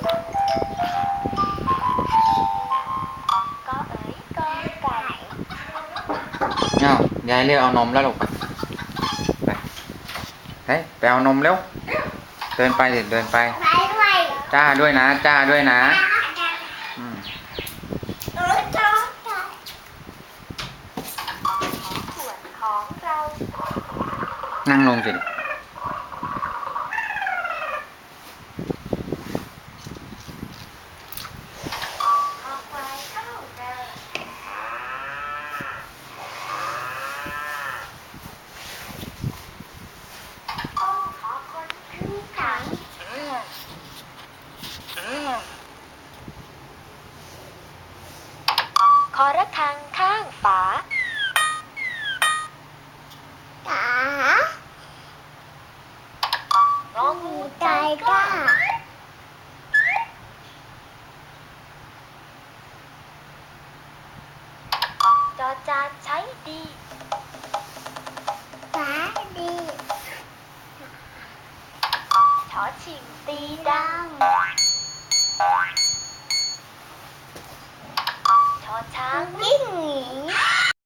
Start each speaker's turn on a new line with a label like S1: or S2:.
S1: ก็เอ๋ยก็ไก่
S2: อ้าวยายเรียกเอานมแล้วลูกไปเฮ้ยไปเอานมเร็วเดินไปเดินไป
S3: ไปด้วย
S2: จ้าด้วยนะจ้าด้วยนะอืม
S1: ส่วนของเรา
S2: นั่งลงสิ
S1: คอควายเข้าเดินโอ้ขอคนขึ้นขังขอระฆังข้างฝา
S3: จ๋าง
S1: องู
S3: ใจ
S1: ใจ
S3: ก
S1: ก
S3: ล้า
S1: ล้าจอจานใช้ดี
S3: ฟ้าดี
S1: ชอชิงตีดัง